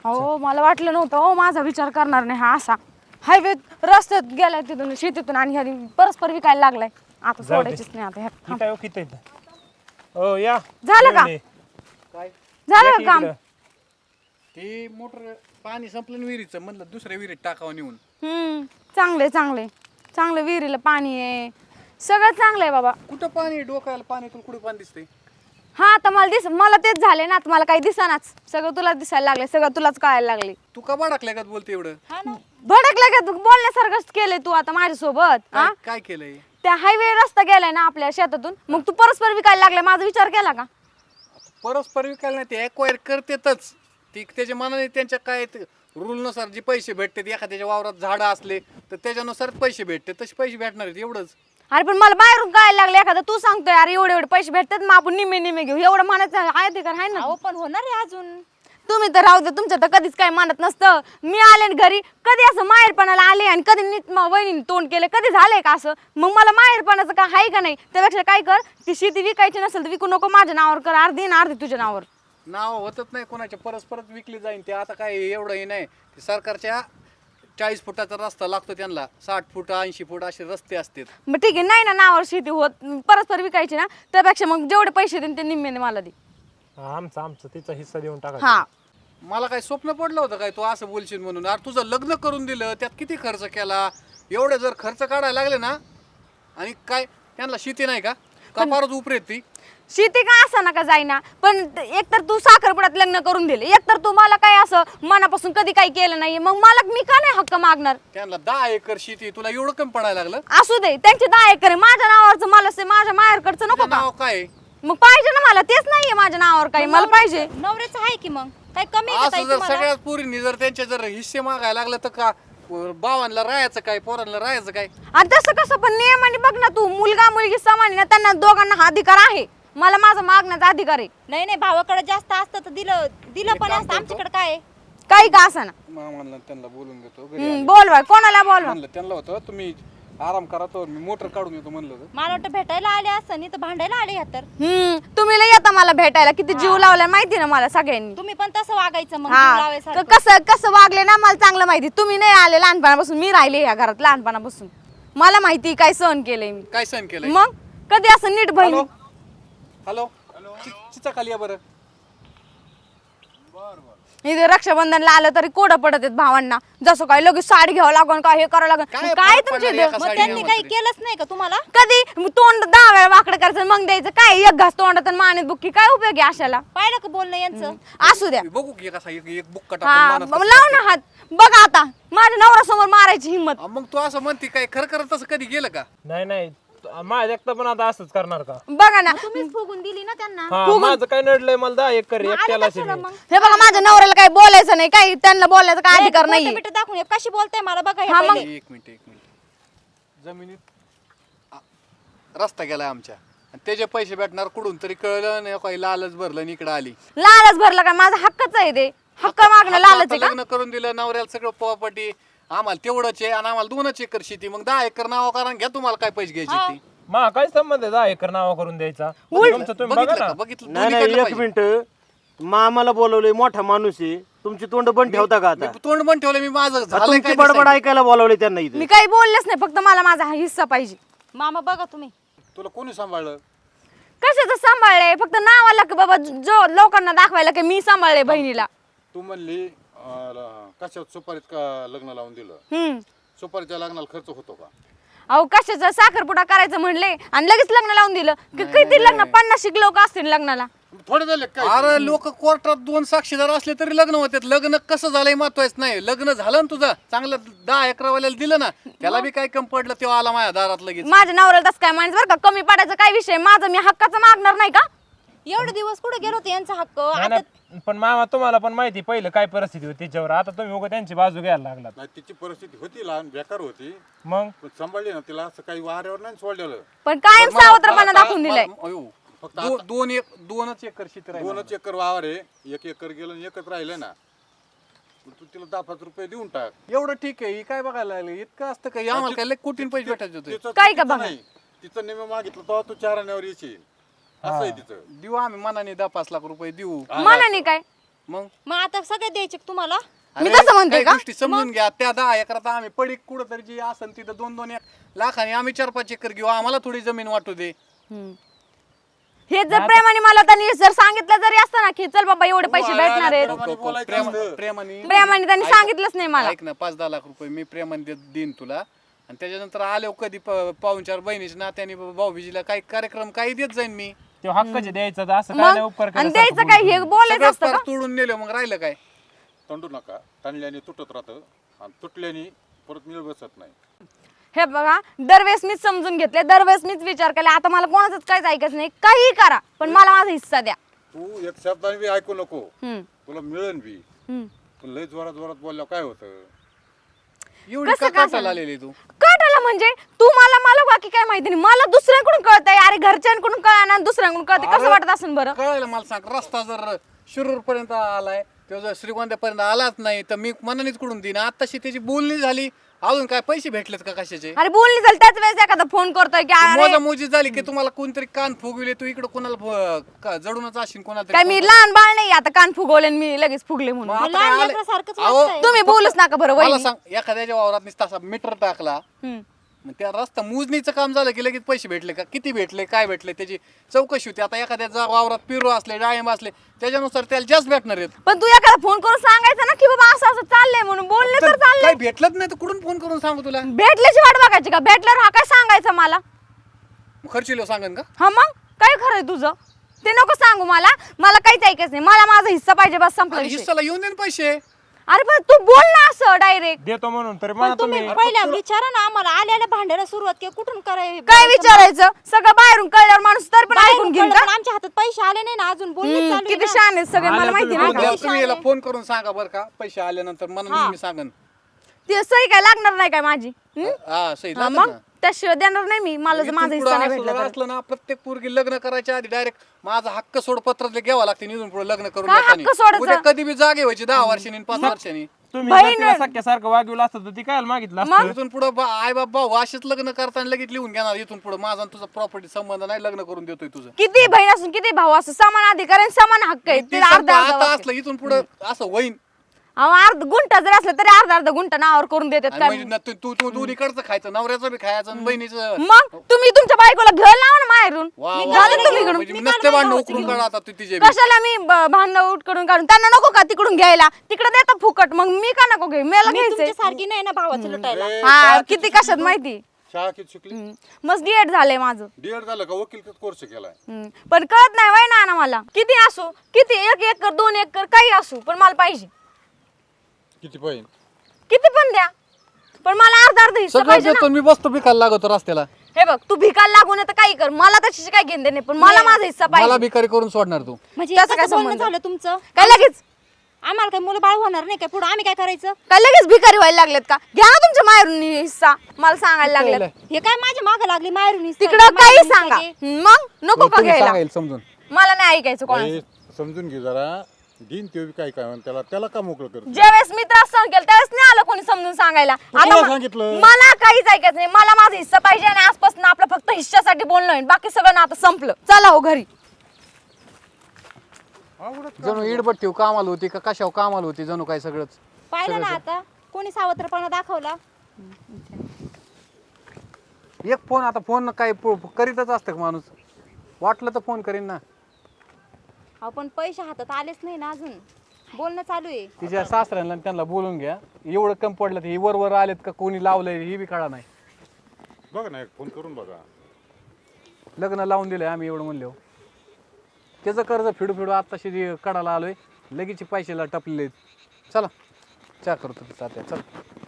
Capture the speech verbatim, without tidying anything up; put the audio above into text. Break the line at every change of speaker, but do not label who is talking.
हो मला वाटलं नव्हतं हो माझा विचार करणार नाही हा असा हायवे रस्त्यात गेलाय तिथून शेतीतून आणि ह्यानी परस्पर विकायला लागलाय आता
जाऊ दे.
सोडायचीच नाही आता ह्यात.
किती आहे, किती आहे? हो या
झालं का?
जेवणे.
काय
झालं
या
का
की
काम
इकडं.
ते मोटर पाणी संपलं ना विहिरीचं म्हणलं दुसऱ्या विहिरीत टाकावं नेऊन.
हम्म चांगले चांगले चांगलं विहिरीला पाणी आहे सगळं चांगलं आहे बाबा.
कुठं पाणी डोक्याला पाणी तुला कुठे पाणी दिसतंय?
हा आता मला दिस मला तेच झाले ना आता मला काही दिसेनाच सगळं तुला दिसायला लागले सगळं तुलाच कळायला लागले.
तू का बाडकल्या का बोलते एवढं?
भडकलं का तू बोलण्यासारखंच केलंय तू आता माझ्यासोबत हा
काय काय केलंय?
त्या हायवे रस्ता गेलाय ना आपल्या शेतातून मग तू परस्पर विकायला लागलाय माझा विचार केला का?
परस्पर विकायला नाही ते एक्वायर करतेतच ती त्याच्या मनाने त्यांच्या काय रूलनुसार जे पैसे भेटतात एखाद्याच्या वावरात झाडं असले तर त्याच्यानुसार पैसे भेटते तसे पैसे भेटणार आहेत एवढंच.
अरे पण मला बाहेरून कळायला लागले एखादा तू सांगतोय अरे एवढे एवढे पैसे भेटतात मग आपण निम्मे निम्मे घेऊ एवढं म्हणायचं आहे अधिकार आहे ना.
पण होणार आहे अजून.
तुम्ही तर राहू दे तुमच्या तर कधीच काय मानत नसतं. मी आले न घरी कधी असं माहेरपणाला आले आणि कधी नीट म- वहिनीने तोंड केले कधी झालंय का असं मग मला माहेरपणाचं काय आहे का नाही त्यापेक्षा काय कर ती शेती विकायची नसेल तर विकू नको माझ्या नावावर कर अर्धी ना अर्धी तुझ्या नावावर.
नाव होतच नाही कोणाच्या परस्परच विकली जाईन ते आता काय एवढंही नाही ते सरकारच्या चाळीस फुटाचा रस्ता लागतो त्यांना साठ फूट ऐंशी फूट असे रस्ते असतात.
मग ठीक आहे नाही ना नावावर शेती होत परस्पर विकायची ना त्यापेक्षा मग जेवढे पैसे देईन ते निम्म्याने मला दे.
हा, आमचा आमचा तिचा हिस्सा देऊन टाका.
हा
मला काय स्वप्न पडलं होतं काय तू असं बोलशील म्हणून? अरे तुझं लग्न करून दिलं त्यात किती खर्च केला एवढे जर खर्च काढायला लागले ना आणि काय त्यांना शेती नाही का कपारच उपरेत ती
शेती का असं नका जाईना पण एकतर तू साखरपुड्यात लग्न करून दिले एकतर तू मला काय असं मनापासून कधी काही केलं नाही मग मला मी का नाही हक्क मागणार.
त्यांना दहा एकर शेती तुला एवढं कमी पडायला लागलं?
असू दे त्यांचे दहा एकर आहे माझ्या नावावरचं मला से माझ्या माहेरकडचं नको
तुझं
का
नाव काय?
मग पाहिजे ना मला तेच नाहीये माझ्या नावावर काही मला पाहिजे.
नवऱ्याचं आहे की मग काय कमी आहे का ताई
असं जर
तुम्हाला?
सगळ्यात पोरींनी जर त्यांचे जर हिस्से मागायला लागलं तर का बावांना राहायचं काय पोरांना राहायचं काय?
आणि तसं कसं पण नियमाने बघ ना तू मुलगा मुलगी समान आहे ना त्यांना दोघांना हा अधिकार आहे मला माझा मागण्याचा अधिकार आहे.
नाही नाही भावाकडे जास्त असतं तर दिलं दिलं
एक
पण
काम
असतं
करतो.
आमच्याकडे काय आहे?
काही का असा ना
मामाला त्यांना बोलून घेतो घरी
हम्म,
आले.
बोलवा कोणाला बोलवा.
म्हणलं त्यांना होतं तुम्ही आराम करा तर मी मोटर काढून येतो म्हणलं होतं.
मला वाटतं भेटायला आले असं नाही तर भांडायला आले ह्या तर.
हम्म तुम्ही लय येता मला भेटायला किती जीव लावलाय माहिती ना मला सगळ्यांनी.
तुम्ही पण तसं वागायचं मग जीव
हा
लावायसारखं.
क- कसं कसं वागले ना मला चांगलं माहिती तुम्ही नाही आले लहानपणापासून मी राहिले ह्या घरात लहानपणापासून मला माहिती काय सहन केलंय मी.
काय सहन केलंय?
मग कधी असं नीट बहिणी
हॅलो चि- चिचा खाली या बरं.
इथे रक्षाबंधनला आलं तरी कोडं पडत आहेत भावांना जसं काय लगेच साडी घ्यावं लागन काय हे करावं लागन
काय
काय
फरक
तुमची
पडणार एका
मग
साडी
त्यांनी
घ्यावं
काही
तरी?
केलंच नाही का तुम्हाला?
कधी मग तोंड दहा वेळा वाकडं करायचं मग द्यायचं काय एक घास तोंडात आणि मानेत बुक्की काय उपयोग आहे अशाला.
पाहिलं का बोलणं यांचं?
असू द्या
बघू की कसा एक एक बुक्का
हा
टाकून
मग
माणूस
लाव ना हात बघा आता माझ्या नवऱ्यासमोर मारायची हिंमत.
हा, मग तू असं म्हणते काय खरं खरं तसं कधी गेलं का?
नाही नाही माझ्या एकटा पण आता असंच करणार का?
बघा ना
तुम्हीच फुगून दिली ना त्यांना.
हा माझं काय नडलंय मला दहा एकर एकट्याला
कशाला मग?
हे बघा माझ्या नवऱ्याला काही बोलायचं नाही काही त्यांना बोलायचं काय अधिकार
बोटं
नाही.
बिटं दाखवून हे कशी बोलताय मला बघा हे
हा, मग-
पहिले.
एक मिनिट एक मिनिट जमिनीत आ, रस्ता गेलाय आमच्या आणि त्याचे पैसे भेटणार कुठून तरी कळलं नाही काही लालच भरलं आणि इकडं आली.
लालच भरला काय माझा हक्कच आहे ते हक्क मागणं
आता
लालच आहे का?
लग्न करून दिलं नवऱ्याला सगळं प्रॉपर्टी आम्हाला तेवढंच आहे आणि आम्हाला दोनच एकर शेती मग दहा एकर नाव कारण घ्या तुम्हाला काय पैसे घ्यायचे ती
मा काय संबंध आहे दहा एकर नावा करून द्यायचा? तुमचं तुम्ही बघा
बघितलं
ना.
का? बघितलं
नाही नाही
दोन्हीकडलं
एक
पाहिजे.
मिनिट मामाला बोलवलंय मोठा माणूस आहे तुमची तोंड बंद ठेवता का आता
मी तोंड पण ठेवलं मी माझं
हा,
झालंय
तुमची
काय
बडबड
दिसायला?
ऐकायला बोलवले त्यांना इथे
मी काही बोललेच नाही फक्त मला माझा हा हिस्सा पाहिजे.
मामा बघा तुम्ही
तुला कोणी सांभाळलं?
कशाचं सांभाळलंय फक्त नावाला की बाबा जो लोकांना दाखवायला की मी सांभाळले बहिणीला.
तू म्हणली अं, कशात सुपारीत का लग्न लावून दिलं?
हम्म
सुपारीच्या लग्नाला खर्च होतो का?
अहो कशाचं साखरपुडा करायचं म्हणले आणि लगेच लग्न लावून दिलं की किती लग्न पन्नास लोक असतील लग्नाला.
थोडे झाले काय?
अरे लोक कोर्टात दोन साक्षीदार असले तरी लग्न होते लग्न कसं झालंय महत्वाचं नाही लग्न झालं ना तुझं चांगलं दहा अकरावाल्याला दिलं ना त्याला बी काय कमी पडलं तेव्हा आला माझ्या दारात लगेच.
माझ्या नवऱ्याला तसं काय म्हणायचं बरं का कमी पडायचं काय विषय माझं मी हक्काचं मागणार नाही का.
एवढे दिवस कुठे गेलो होते यांचा हक्क
नाही,
आता
नाही, पण मामा तुम्हाला पण माहिती पहिलं काय परिस्थिती होती त्याच्यावर आता तुम्ही उगा त्यांची बाजू घ्यायला लागलात.
नाही तिची परिस्थिती होती लहान बेकार होती
मग
पण सांभाळली ना तिला असं काही वाऱ्यावर नाही सोडलेलं.
पण कायम
मला-
सावत्रपणा
मला-
दाखवून दिलाय.
मला- अयो,
फक्त
दो- दोन एक दोनच एकर शेती राहिली.
दोनच एकर वावर आहे एक एकर गेलं आणि एकच राहिलं ना तू तिला दहा पाच रुपये देऊन टाक.
एवढं ठीक आहे ही काय बघायला लागली इतकं असतं का आम्हाला काय लय कोटीन पैसे भेटायचे होते.
तिचं
काय का
चुकीचं
बघा?
नाही तिचं नेहमी मागितलं तेव्हा तू चार आण्यावर येशील असं आहे तिचं.
देऊ आम्ही मनाने दहा पाच लाख रुपये देऊ
मनाने काय
मग
मग आता सगळे द्यायचे का तुम्हाला?
मी
अरे,
तसं म्हणते
काही
का?
गोष्टी समजून घ्या. त्या दहा एकरात आम्ही पडीक कुठं तरी जी असन तिथं दोन दोन एक लाखाने आम्ही चार पाच एकर घेऊ, आम्हाला थोडी जमीन वाटू दे.
हम्म. हे जर प्रेमाने मला त्यांनी जर सांगितलं जरी असतं ना की चल बाबा एवढे पैसे भेटणार आहेत,
प्रेमाने बोलायचं
प्रेम-
असतं.
प्रेमाने
प्रेमाने त्यांनी
ऐक-
सांगितलंच नाही मला.
ऐक ना, पाच दहा लाख रुपये मी प्रेमाने दे- देईन तुला, आणि त्याच्यानंतर आले कधी प- पाहुणचार बहिणीच्या नात्याने भाऊबीजीला काही कार्यक्रम काही देत जाईन मी.
ते हक्काचे द्यायचं तर असं काय नाही
मग
उपकार
आणि
केल्यासारखं
द्यायचं काय हे बोलायचं
सगळं
असतं
पार
का?
तोडून नेलं, मग राहिलं काय?
तंडू नका. ताणल्याने तुटत राहतं आणि तुटल्याने परत मिळ बसत नाही.
हे बघा, दरवेळेस मीच समजून घेतले, दरवेळेस मीच विचार केला. आता मला कोणाचंच काहीच ऐकायचं नाही, काही करा पण मला माझा हिस्सा द्या.
तू एक शब्दाने बी ऐकू नको,
हम्म,
तुला मिळेल बी.
हम्म.
पण लय जोरात जोरात बोलल्यावर काय होतं?
एवढी
कसं
का
काय
काटाला आलेली तू?
काटाला म्हणजे तू मला मला बाकी काय माहिती नाही, मला दुसऱ्यांकडून कळतंय. अरे घरच्यांकडून कळा ना, दुसऱ्यांकडून कळते, कसं
अरे,
वाटत असेल बरं?
कळलं मला सांग. रस्ता जर शिरूर पर्यंत आलाय, तो जर श्रीगोंद्यापर्यंत आलाच नाही तर मी मनानेच कडून देईन. आताशी त्याची बोलणी झाली, अजून काय पैसे भेटलेत का कशाचे?
अरे बोलणी झाली त्याच वेळेस एखादा फोन करतोय की अरे
मोजा मोजी झाली की तुम्हाला कोणतरी कान फुगविले, तू इकडे कोणाला फु- का- जडूनच असेल कोणाला
काय
तरी.
मी लहान बाळ नाही आता कान फुगवले आणि मी लगेच फुगले
मग
म्हणून.
आता
लहान
काय आलंय?
लेकरासारखंच
अहो,
वागताय.
तुम्ही बोलूच नका बरं
मला
वहिनी.
सांग, एखाद्याच्या वावरात नुसता असा मीटर टाकला,
हम्म.
मग त्या रस्ता मोजणीचं काम झालं की लगेच पैसे भेटले का? किती भेटले, काय भेटले, त्याची चौकशी होती. आता एखाद्या जा- वावरात पिरू असले, डाळिंब असले, त्याच्यानुसार त्याला जास्त भेटणार आहेत.
पण तू एखादा फोन करून सांगायचं ना की बाबा असं असं चाललंय म्हणून, बोलले तर
तर
चाललंय.
काही भेटलंच नाही तर कुठून फोन करून सांगू तुला?
भेटल्याची वाट बघायची का? भेटल्यावर हा काय सांगायचं मला?
खर्चिलो सांगन का?
हा मग काय खरंय तुझं ते नको सांगू मला. मला काहीच ऐकायचं नाही, मला माझा हिस्सा पाहिजे बस, संपला
आणि
विषय.
हिस्साला येऊन दे ना पैसे.
अरे पण तू बोल ना असं डायरेक्ट.
देतो म्हणून तरी
पण
मला
तुम्ही
तुम्ही
पहिल्या विचारा ना आम्हाला, आल्याला भांडायला सुरुवात केली, कुठून करायचं?
काय विचारायचं? सगळं बाहेरून कळल्यावर माणूस तर पण ऐकून घेईन का?
आमच्या हातात पैसे आले नाही ना अजून, बोलणं
हम्म,
चालू आहे
किती
ना.
शान आहेत सगळे, मला
आले
माहिती
तुम्ही
नाही का?
उद्या तुम्ही याला फोन करून सांगा बरं का, पैसे आल्यानंतर मला मी सांगन.
ती सही काय लागणार नाही काय माझी? हम्म?
हा सही
हा,
लागेल
मग
ना.
त्याशिवाय देणार नाही मी. मला जर
इथून
माझा
पुढं
हिस्सा नाही
असं
भेटला
जर
तर.
असलं ना, प्रत्येक पोरगी लग्न करायच्या आधी डायरेक्ट माझा हक्क सोडपत्र घ्यावं लागते. इथून पुढे लग्न करून
काय
येतानी.
हक्क सोडायचं?
उद्या कधी बी जागे व्हायची दहा वर्षांनी आणि पाच वर्षांनी.
तुम्ही
बहीण-
जर तिला सख्यासारखं वागवलं असतं तर ती काय मागितलं असतं?
इथून पुढे आई बाप भाऊ असेच लग्न करताना लगेच लिहून घेणार. इथून पुढे माझा आणि तुझा प्रॉपर्टी संबंध नाही, लग्न करून देतोय तुझं.
किती बहीण असून किती भाऊ असं समान अधिकार आणि समान हक्क आहे.
ती
ते अर्धा
समजा
अर्धा
आता
वाक्य.
असलं इथून पुढे असं होईन.
अहो, अर्ध गुंठा जरी असलं तरी अर्धा अर्धा गुंठा नावावर करून देतात
आणि
काय?
म्हणजे न- तू तू तू दोन्हीकडचं खायचं, नवऱ्याचं बी खायचं आणि बहिणीचं.
मग तुम्ही तुमच्या बायकोला घ्यायला लावा ना माहेरून.
वा, वा,
झालं
वा,
तुम्ही
वा,
इकडून.
म्हणजे नसते भांडण उकरून काढा आता तू तिचे बी.
कशाला मी ब- भांडणं उठकडून काढून त्यांना नको का तिकडून घ्यायला? तिकडे देतात फुकट, मग मी का नको घेऊ? मला
मी
घ्यायचंय.
तुमच्या सारखी नाही ना भावाचं लुटायला.
ए,
हा
शाळा
किती
किती
कशात माहिती.
शाळा किती शिकली?
हम्म. मस्त डीएड झालंय माझं.
डीएड झालं का? वकील कोर्स केलाय.
हम्म. पण कळत नाही वय ना मला. किती असो, किती एक एकर दोन एकर काही असू, पण मला पाहिजे.
किती पाहिजे?
किती पण द्या, पण मला अर्धा अर्धा हिस्सा
सगळं
पाहिजे ना.
देतो मी, बसतो भिकायला लागतो रस्त्याला.
हे बघ, तू भिकायला लागून तर काही कर, मला त्याची काय घेणं नाही, पण मला माझा हिस्सा
मला
पाहिजे.
भिकारी करून सोडणार तू.
म्हणजे
त्याचं
कसं
काय
बोलणं
संबंध?
झालं तुमचं?
काय लगेच
आम्हाला काही मुलं बाळ होणार नाही काय पुढे? आम्ही काय करायचं?
काय लगेच भिकारी व्हायला लागलेत का? घ्या ना तुमच्या माहेरून हिस्सा, मला सांगायला लागलेत.
हे काय माझ्या मागे लागली माहेरून
तिकडं काही सांगा, मग नको का
तुम्ही
घ्यायला?
सांगायला समजून.
मला नाही ऐकायचं कोणाचं.
बाई, समजून घे जरा. दिन ते बी काय काय म्हणते, त्याला त्याला का मोकळं करतो?
ज्यावेळेस मी त्रास सहन केला त्यावेळेस नाही आलं कोणी समजून सांगायला.
तुला
आता म-
सांगितलं.
मला काहीच ऐकायचं नाही, मला माझा हिस्सा पाहिजे आणि आजपासून आपलं फक्त हिस्सासाठी बोलणं आहे, बाकी सगळं ना आता संपलं. चला हो घरी.
जणू इडबट्टी कामाला होती का कशावर कामाला होती, जणू काय सगळंच.
पाहिलं ना आता कोणी सावत्रपणा दाखवला.
एक फोन, आता फोन काय प- करीतच असतं का माणूस? वाटलं तर फोन करीन ना.
आपण पैसे हातात आलेच नाही ना अजून, बोलणं चालू आहे.
तिच्या सासऱ्यांना आणि त्यांना बोलून घ्या. एवढं कम पडलं तर ही वर वर आलेत का कोणी लावलंय ही बी कळा नाही.
बघा ना, एक फोन करून बघा.
लग्न लावून दिलंय आम्ही एवढं म्हणलो. त्याचं कर्ज फिडू फिडू आत्ताशी कडाला आलोय, लगेच पैशाला टपलेले. चला चहा करतो तात्या, चल.